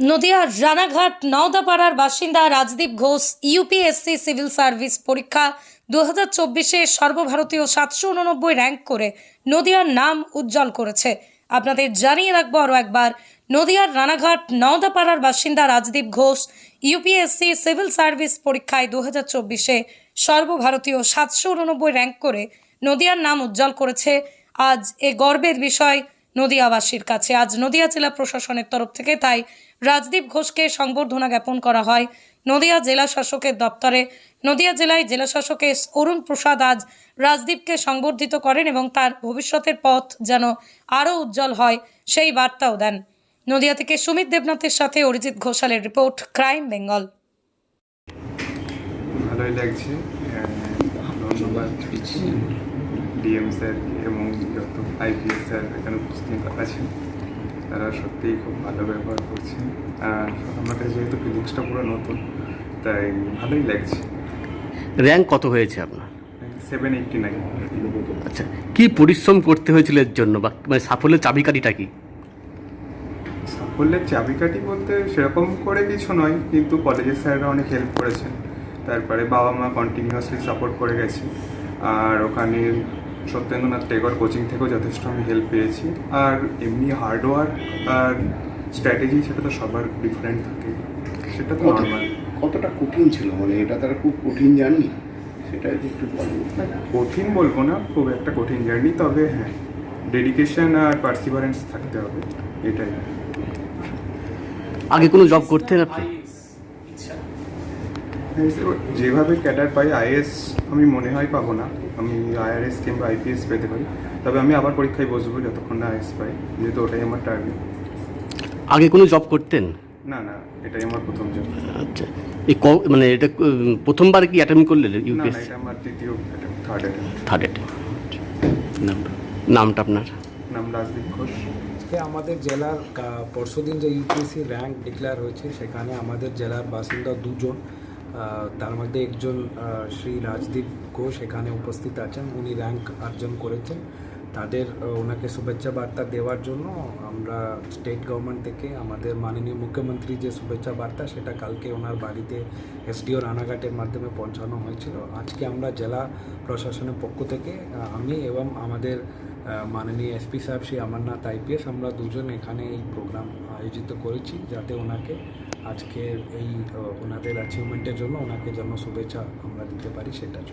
নদিয়ার রানাঘাট নওদাপাড়ার বাসিন্দা Rajdeep Ghosh UPSC civil service পরীক্ষা 2024-এ সর্বভারতীয় 789 র্যাঙ্ক করে নদিয়ার নাম উজ্জ্বল করেছে। আপনাদের জানিয়ে রাখবো আরও একবার, নদিয়ার রানাঘাট নওদাপাড়ার বাসিন্দা Rajdeep Ghosh UPSC civil service পরীক্ষায় 2024-এ সর্বভারতীয় 789 র্যাঙ্ক করে নদিয়ার নাম উজ্জ্বল করেছে। আজ এ গর্বের বিষয় নদিয়াবাসীর কাছে। আজ নদিয়া জেলা প্রশাসনের তরফ থেকে তাই রাজদীপ ঘোষকে সংবর্ধনা জ্ঞাপন করা হয় নদিয়া জেলা শাসকের দপ্তরে। নদিয়া জেলায় জেলা শাসক এস অরুণ প্রসাদ আজ রাজদীপকে সংবর্ধিত করেন এবং তার ভবিষ্যতের পথ যেন আরও উজ্জ্বল হয় সেই বার্তাও দেন। নদিয়া থেকে সুমিত দেবনাথের সাথে অরিজিৎ ঘোষালের রিপোর্ট, ক্রাইম বেঙ্গল। ভালোই লাগছে, ধন্যবাদ ডিএম স্যার এবং যত আইপিএস স্যার এখানে উপস্থিত আছেন, তারা সত্যিই খুব ভালো ব্যবহার করছেন। আর আমার কাছে যেহেতু ফিলিংসটা পুরো নতুন, তাই ভালোই লাগছে। র্যাঙ্ক কত হয়েছে আপনার? 789। আচ্ছা, কি পরিশ্রম করতে হয়েছিল এর জন্য, বা মানে সাফল্যের চাবিকাঠিটা কি? সাফল্যের চাবিকাঠি বলতে সেরকম করে কিছু নয়, কিন্তু কলেজের স্যাররা অনেক হেল্প করেছেন। তারপরে বাবা মা কন্টিনিউয়াসলি সাপোর্ট করে গেছে। আর ওখানে সত্যেন্দ্রনাথ টেগর কোচিং থেকেও যথেষ্ট আমি হেল্প পেয়েছি। আর এমনি হার্ডওয়ার্ক আর স্ট্র্যাটেজি সেটা তো সবার ডিফারেন্ট থাকে, সেটা তো নর্মাল। কতটা কঠিন ছিল, মানে এটা তারা খুব কঠিন জার্নি, সেটা একটু বলবো। কঠিন বলবো না, খুব একটা কঠিন জার্নি, তবে হ্যাঁ ডেডিকেশন আর পার্সিভারেন্স থাকতে হবে, এটাই। আগে কোনো জব করতেন আপনি? যেভাবে ক্যাডার পাই আইএস আমি মনে হয় পাবো না, আমি আইআরএস কিংবা আইপিএস পেতে পারি। তবে আমি আবার পরীক্ষায় বসবো যতক্ষণ না আইএস পাই, যেহেতু ওটাই আমার টার্গেট। আগে কোনো জব করতেন? না না, এটাই আমার প্রথম জব। আচ্ছা, এই মানে এটা প্রথমবার কি অ্যাটেম্প করলেন না না, ইউপিএসসি? এটা আমার দ্বিতীয় থার্ড অ্যাটেম্প। নামটা আপনার? নাম রাজদীপ ঘোষ। আজকে আমাদের জেলার পরশুদিন যে ইউপিএসসি র্যাঙ্ক ডিক্লেয়ার হয়েছে, সেখানে আমাদের জেলার বাসিন্দা দুজন, তার মধ্যে একজন শ্রী রাজদীপ ঘোষ এখানে উপস্থিত আছেন। উনি র্যাঙ্ক অর্জন করেছেন। তাদের ওনাকে শুভেচ্ছা বার্তা দেওয়ার জন্য আমরা স্টেট গভর্নমেন্ট থেকে আমাদের মাননীয় মুখ্যমন্ত্রী যে শুভেচ্ছা বার্তা, সেটা কালকে ওনার বাড়িতে এসডিও রানাঘাটের মাধ্যমে পৌঁছানো হয়েছিল। আজকে আমরা জেলা প্রশাসনের পক্ষ থেকে আমি এবং আমাদের মাননীয় এসপি সাহেব শ্রী অমরনাথ আইপিএস, আমরা দুজন এখানে এই প্রোগ্রাম আয়োজিত করেছি, যাতে ওনাকে আজকের এই ওনাদের অ্যাচিভমেন্টের জন্য ওনাকে যেন শুভেচ্ছা আমরা দিতে পারি, সেটা।